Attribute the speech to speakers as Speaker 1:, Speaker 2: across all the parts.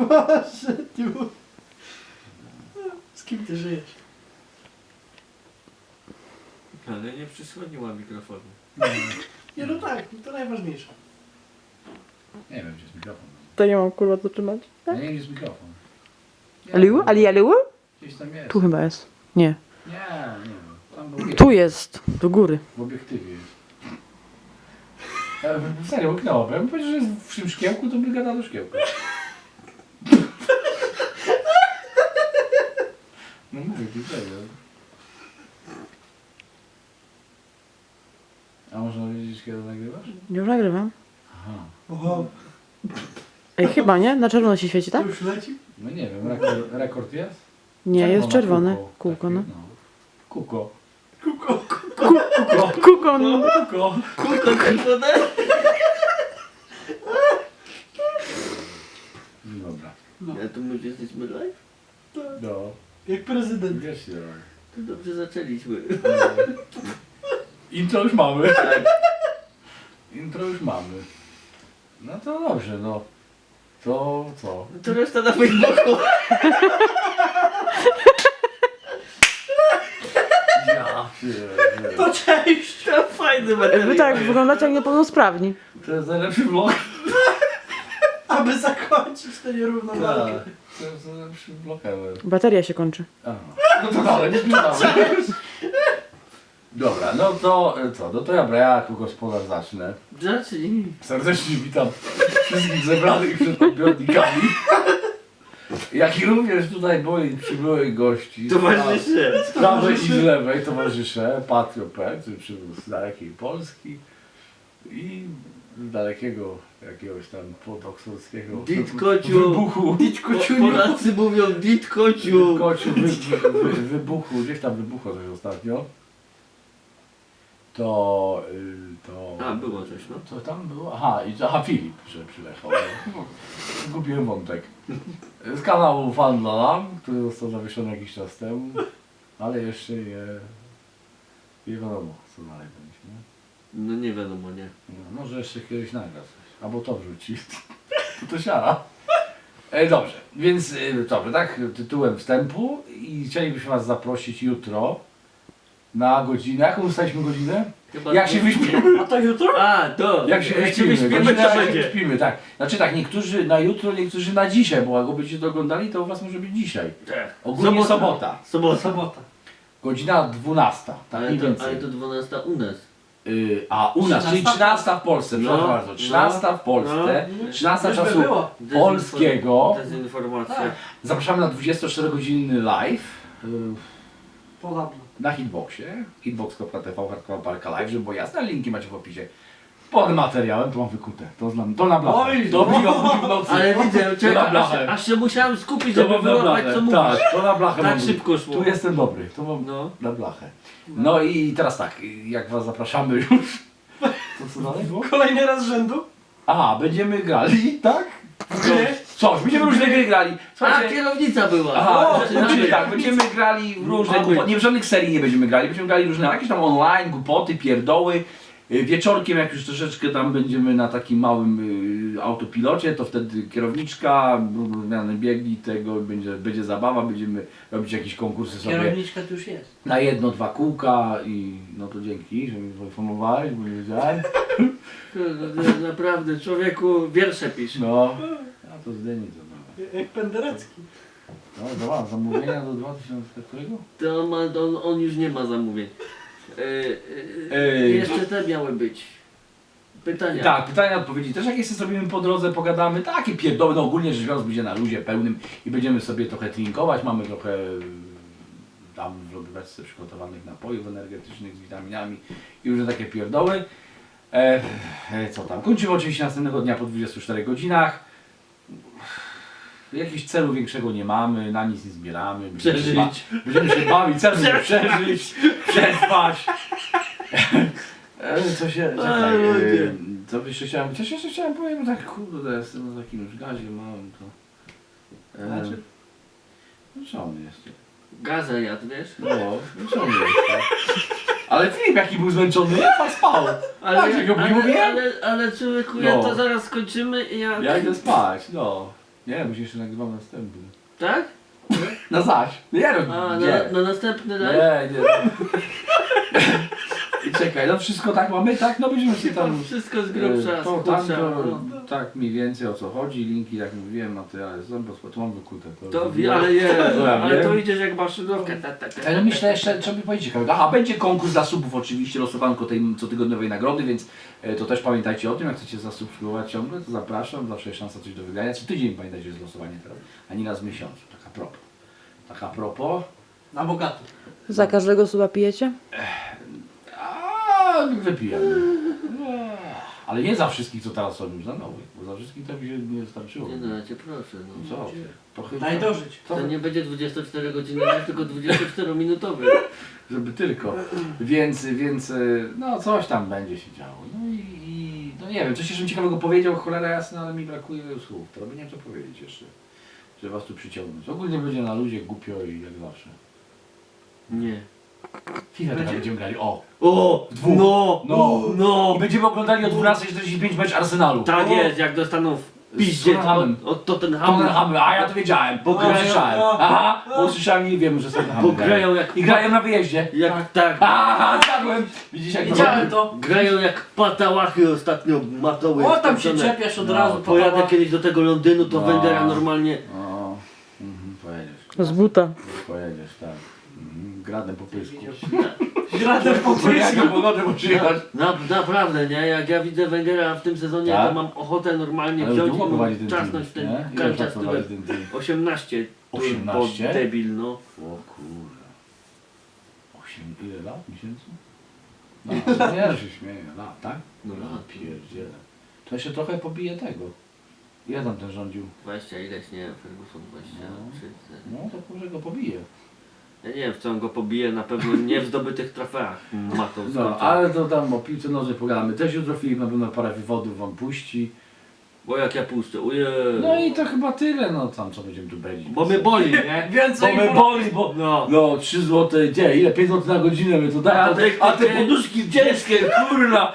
Speaker 1: Boże, ty. Z kim ty żyjesz?
Speaker 2: Ale nie przysłoniła mikrofonu.
Speaker 1: Nie no tak, to najważniejsze.
Speaker 3: Nie wiem, gdzie jest mikrofon.
Speaker 4: To nie mam kurwa co trzymać.
Speaker 3: Ja nie wiem, gdzie jest mikrofon. Nie
Speaker 4: Aliu?
Speaker 3: wiem.
Speaker 4: Aliu?
Speaker 3: Gdzieś tam jest.
Speaker 4: Tu chyba jest. Nie.
Speaker 3: Nie wiem. Tam był
Speaker 4: Tu jest. Do góry.
Speaker 3: w obiektywie jest. Serio, łyknęło. Ja bym powiedział, że jest w tym szkiełku, to by gadał do szkiełka. No mówię, ty serio. A można wiedzieć, kiedy nagrywasz?
Speaker 4: Już nagrywam.
Speaker 3: Aha.
Speaker 1: Oho,
Speaker 4: Ej, chyba nie? Na czerwono się świeci,
Speaker 1: to
Speaker 4: tak?
Speaker 1: już leci?
Speaker 3: No nie wiem, rekord jest?
Speaker 4: Nie, jest czerwone.
Speaker 3: Kółko.
Speaker 4: Kółko, no.
Speaker 3: Takie, Kuko.
Speaker 1: Kuko.
Speaker 4: Kuko, no.
Speaker 3: Kuko.
Speaker 2: Kurwa, kurwa,
Speaker 3: Dobra.
Speaker 1: No,
Speaker 2: Ja tu mówię, jesteśmy live?
Speaker 3: No.
Speaker 1: jak prezydent.
Speaker 3: Wiesz się.
Speaker 2: To dobrze zaczęliśmy.
Speaker 3: Intro już mamy. Intro już mamy. No to dobrze, no. To co?
Speaker 2: To reszta na Facebooku.
Speaker 3: Ja pierdolę.
Speaker 1: To cześć!
Speaker 2: To fajny materiał.
Speaker 4: Wy tak wyglądacie jak niepełnosprawni.
Speaker 3: To jest najlepszy vlog.
Speaker 1: Aby zakończyć tę nierówną walkę.
Speaker 3: Tak. To jest najlepszy vlog ever.
Speaker 4: Bateria się kończy.
Speaker 3: Aha. No to dalej, nie zbliżamy. Dobra, no to co? No to ja jako gospodarz zacznę.
Speaker 2: Zacznij.
Speaker 3: Serdecznie witam wszystkich zebranych przed odbiornikami. Jak i również tutaj moich przybyłych gości.
Speaker 2: Towarzysze.
Speaker 3: Z prawej i z lewej towarzysze. Patrio P, który przybył z dalekiej Polski i z dalekiego jakiegoś tam podoksowskiego
Speaker 2: Ditkociu.
Speaker 3: wybuchu.
Speaker 2: Polacy mówią ditkociu.
Speaker 3: Kociu wybuchu, gdzieś tam wybuchło coś ostatnio. To
Speaker 2: A, było coś, no.
Speaker 3: Co tam było? Aha, Filip, że przyleciał. Zgubiłem wątek. Z kanału Fan dla Lam, który został zawieszony jakiś czas temu, ale jeszcze nie wiadomo, co dalej będzie. Nie?
Speaker 2: No nie wiadomo, nie.
Speaker 3: No, może jeszcze kiedyś nagra coś, albo to wrzuci. To siara. Dobrze, więc dobrze, tak, tytułem wstępu i chcielibyśmy Was zaprosić jutro na godzinę. Jaką ustaliśmy godzinę?
Speaker 2: Chyba
Speaker 3: Jak się wyśpimy?
Speaker 1: A to jutro?
Speaker 2: A, to.
Speaker 3: Jak się wyśpimy,
Speaker 2: wyśpimy,
Speaker 3: godzina,
Speaker 2: to
Speaker 3: jak się
Speaker 2: będzie.
Speaker 3: wyśpimy, tak. Znaczy tak, niektórzy na jutro, niektórzy na dzisiaj, bo jak go będziecie to oglądali, to u Was może być dzisiaj.
Speaker 2: Tak.
Speaker 3: Ogólnie sobota.
Speaker 1: Sobota.
Speaker 3: Godzina 12, tak mniej więcej.
Speaker 2: Ale to 12 u nas.
Speaker 3: A u nas, czyli 13 w Polsce,
Speaker 2: No,
Speaker 3: przepraszam bardzo. 13 w Polsce,
Speaker 1: No.
Speaker 3: 13
Speaker 1: Już by
Speaker 3: czasu
Speaker 1: było.
Speaker 3: polskiego.
Speaker 2: Dezinformacja.
Speaker 1: Tak.
Speaker 3: Zapraszamy na 24-godzinny live
Speaker 1: Podobno.
Speaker 3: na Hitboxie. Hitbox.tv, hardcore live, żeby było jasne, linki macie w opisie. Pod materiałem to mam wykute, to na blachę.
Speaker 1: Oj,
Speaker 3: To
Speaker 1: no.
Speaker 3: biło w nocy.
Speaker 2: Ale widzę,
Speaker 3: To na
Speaker 2: czekaj,
Speaker 3: blachę.
Speaker 2: aż się musiałem skupić,
Speaker 3: To
Speaker 2: żeby
Speaker 3: mam na
Speaker 2: wyłapać
Speaker 3: blachę,
Speaker 2: co mówisz.
Speaker 3: tak, to na blachę
Speaker 2: Tak
Speaker 3: mam.
Speaker 2: szybko szło.
Speaker 3: Tu jestem dobry, to mam
Speaker 2: No.
Speaker 3: na blachę. No i teraz tak, jak Was zapraszamy już, to co dalej było?
Speaker 1: Kolejny raz z rzędu?
Speaker 3: A, będziemy grali, tak? Coś, będziemy różne gry grali.
Speaker 2: A,
Speaker 3: Słuchajcie,
Speaker 2: kierownica była.
Speaker 3: aha,
Speaker 2: Zaczynamy.
Speaker 3: czyli tak, będziemy grali w różne
Speaker 2: Mamy.
Speaker 3: głupoty, nie w żadnych serii nie będziemy grali, będziemy grali różne, jakieś tam online, głupoty, pierdoły. Wieczorkiem, jak już troszeczkę tam będziemy na takim małym autopilocie, to wtedy kierowniczka, zmiany biegi, tego będzie zabawa, będziemy robić jakieś konkursy sobie
Speaker 1: Kierowniczka tu już jest.
Speaker 3: na 1-2 kółka i no to dzięki, że mi poinformowałeś, bo nie wiedziałem.
Speaker 2: Kurde, naprawdę, człowieku, wiersze pisz.
Speaker 3: No, a to zdjęcie to było.
Speaker 1: Jak Penderecki.
Speaker 3: No dobra, zamówienia do 2000 którego?
Speaker 2: To on już nie ma zamówień. Jeszcze te miały być. Pytania.
Speaker 3: Tak, pytania, odpowiedzi też jakieś sobie zrobimy po drodze, pogadamy, takie pierdoły, no ogólnie rzecz biorąc będzie na luzie pełnym i będziemy sobie trochę trinkować, mamy trochę tam w lodówce przygotowanych napojów energetycznych z witaminami i różne takie pierdoły. Co tam, kończymy oczywiście następnego dnia po 24 godzinach. Jakiegoś celu większego nie mamy, na nic nie zbieramy.
Speaker 2: Przeżyć.
Speaker 3: Będziemy się bawić, celu nie przeżyć, przetrwać. Co się, czekaj, coś jeszcze chciałem powiedzieć, bo tak kurde, jestem na takim już gazie małym, to...
Speaker 1: Znaczy?
Speaker 3: Żony jeszcze.
Speaker 2: Gazę jadł, wiesz?
Speaker 3: No, żony jeszcze. Ale Filip jaki był zmęczony, jak pan spał? Tak, jak go mówiłem?
Speaker 2: ale człowieku, ja
Speaker 3: No.
Speaker 2: to zaraz skończymy i ja...
Speaker 3: Ja idę spać, no. Nie, bo się jeszcze nagrywam następny.
Speaker 2: Tak?
Speaker 3: Na zaś. Nie no,
Speaker 2: A,
Speaker 3: nie.
Speaker 2: na następny live?
Speaker 3: Nie. I czekaj, no wszystko tak mamy, tak? No będziemy sobie tam...
Speaker 2: Wszystko z grubsza,
Speaker 3: to,
Speaker 2: z
Speaker 3: tam,
Speaker 2: grubsza,
Speaker 3: to,
Speaker 2: no.
Speaker 3: tak mniej więcej o co chodzi, linki jak mówiłem, materiały są, bo tu mam wykute.
Speaker 2: To wie, ale nie,
Speaker 3: To ja
Speaker 2: ale
Speaker 3: wiem.
Speaker 2: to idziesz jak maszynówka.
Speaker 3: Ale myślę jeszcze, trzeba by powiedzieć ciekawego. Aha, będzie konkurs dla subów oczywiście, losowanko tej cotygodniowej nagrody, więc to też pamiętajcie o tym, jak chcecie zasubskrybować ciągle, to zapraszam, zawsze jest szansa coś do wygrania. Co tydzień pamiętajcie, jest losowanie teraz, a nie raz w miesiącu, tak a propos.
Speaker 1: Na bogato.
Speaker 4: Za każdego suba pijecie?
Speaker 3: A wypijamy. Ale nie za wszystkich, co teraz są już za nowych, bo za wszystkich to mi się nie starczyło.
Speaker 2: Nie no, ja cię proszę, no.
Speaker 3: Co? To chyba,
Speaker 1: Daj dożyć.
Speaker 3: co?
Speaker 2: To nie będzie 24 godziny, tylko 24-minutowy.
Speaker 3: Żeby tylko. Więc, no coś tam będzie się działo. No i no nie wiem, coś jeszcze bym ciekawego powiedział, cholera jasna, ale mi brakuje słów. To nie wiem co powiedzieć jeszcze, żeby was tu przyciągnąć. Ogólnie będzie na luzie głupio i jak zawsze.
Speaker 2: Nie.
Speaker 3: FIFA teraz będziemy grali, o!
Speaker 2: O!
Speaker 3: W dwóch.
Speaker 2: No!
Speaker 3: I będziemy oglądali o 12:45 mecz Arsenalu.
Speaker 2: Tak jest, jak dostaną w piździe
Speaker 3: Tottenhamem.
Speaker 2: od Tottenhamu.
Speaker 3: Tottenhamy, a ja to wiedziałem, bo
Speaker 2: grają-
Speaker 3: usłyszałem. Aha, bo usłyszałem i wiem, że z Tottenhamem
Speaker 2: Bo grają jak...
Speaker 3: I grają na wyjeździe.
Speaker 2: Jak tak.
Speaker 3: Aha, zjadłem! Widzisz jak
Speaker 1: Widziałem to.
Speaker 2: Grają jak patałachy ostatnio matoły.
Speaker 1: O, tam się
Speaker 2: skończone.
Speaker 1: czepiasz od
Speaker 3: No,
Speaker 1: razu.
Speaker 2: Pojadę
Speaker 1: Pojadę
Speaker 2: kiedyś do tego Londynu, to
Speaker 3: No.
Speaker 2: Węgera normalnie...
Speaker 3: O, pojedziesz.
Speaker 4: Z buta.
Speaker 3: Pojedziesz, tak. Gradem po pysku.
Speaker 1: Gradem po
Speaker 3: Jak po nocy muszę jechać.
Speaker 2: Naprawdę, nie? Jak ja widzę Węgera w tym sezonie,
Speaker 3: Tak?
Speaker 2: to mam ochotę normalnie
Speaker 3: Ale
Speaker 2: wziąć
Speaker 3: długo
Speaker 2: i
Speaker 3: prowadzi ten
Speaker 2: czasnąć w
Speaker 3: team,
Speaker 2: ten
Speaker 3: nie? Ile
Speaker 2: kanciasty
Speaker 3: czasu prowadzi
Speaker 2: łeb.
Speaker 3: ten team?
Speaker 2: 18.
Speaker 3: 18?
Speaker 2: Bo debil, no.
Speaker 3: O kurde. 8, ile lat? Miesięcy? No, nie, że się śmieję. Lat, tak?
Speaker 2: No
Speaker 3: Ja
Speaker 2: lat.
Speaker 3: pierdzielę. To jeszcze trochę pobije tego. Ile tam ten rządził?
Speaker 2: 20 ileś, nie? Ferguson 23.
Speaker 3: No to może go pobije.
Speaker 2: Ja nie wiem, w co on go pobije, na pewno nie w zdobytych trofeach matą
Speaker 3: No, ale to tam o piłce nożnej pogadamy też jutro. Filip na pewno parę wywodów wam puści.
Speaker 2: Bo jak ja puszczę, ujej.
Speaker 3: No i to chyba tyle, no tam co będziemy tu belić.
Speaker 2: Bo mnie boli, nie?
Speaker 1: Więcej
Speaker 3: Bo mnie boli, bo
Speaker 2: No.
Speaker 3: no 3 zł, gdzie? Ile? 5 zł na godzinę my to daje, a te poduszki ciężkie, kurna!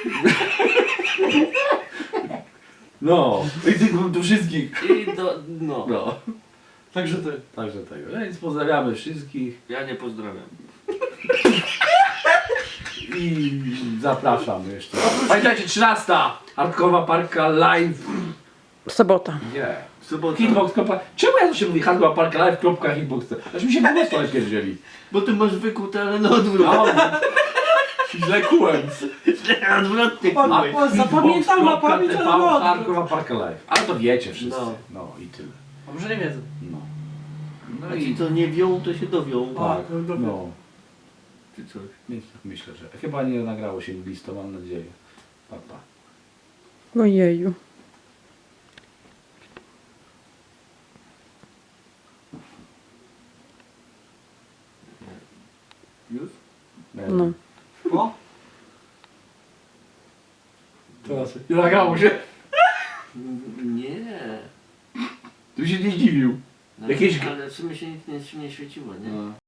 Speaker 3: No, i tych do wszystkich.
Speaker 2: I no.
Speaker 3: No,
Speaker 1: Także ty.
Speaker 3: także tego. No więc pozdrawiamy wszystkich
Speaker 2: Ja nie pozdrawiam.
Speaker 3: i zapraszam jeszcze. Pamiętajcie, 13. Hardkowa Parka Live.
Speaker 4: Sobota.
Speaker 3: Nie.
Speaker 2: Sobota.
Speaker 3: Hitbox. Czemu ja to się mówi Hardkowa Parka Live? Hitbox. Aż mi się po prostu pierdzieli.
Speaker 2: Bo ty masz wykute, ale na odwrót.
Speaker 3: No, źle kułem.
Speaker 2: Odwrotnie.
Speaker 1: Pan-
Speaker 2: kurwa.
Speaker 1: Zapamiętał na pamięć, ale no.
Speaker 3: Hardkowa Parka Live. Ale to wiecie wszyscy.
Speaker 2: No.
Speaker 3: No i tyle.
Speaker 1: A może nie wiedzą.
Speaker 3: No. No
Speaker 2: A ci
Speaker 3: i
Speaker 2: co nie wią, to się dowią.
Speaker 1: A,
Speaker 3: tak.
Speaker 1: no dobra.
Speaker 3: No.
Speaker 2: Czy coś.
Speaker 3: Więc tak myślę, że chyba nie nagrało się listo, mam nadzieję. Pa, pa.
Speaker 4: Ojeju.
Speaker 2: Już?
Speaker 4: No.
Speaker 1: O,
Speaker 3: Teraz nie nagrało się.
Speaker 2: Nie.
Speaker 3: Tu się nie zdziwił.
Speaker 2: No,
Speaker 3: Jakieś-
Speaker 2: Ale w sumie się nic nie świeciło, nie?
Speaker 3: No.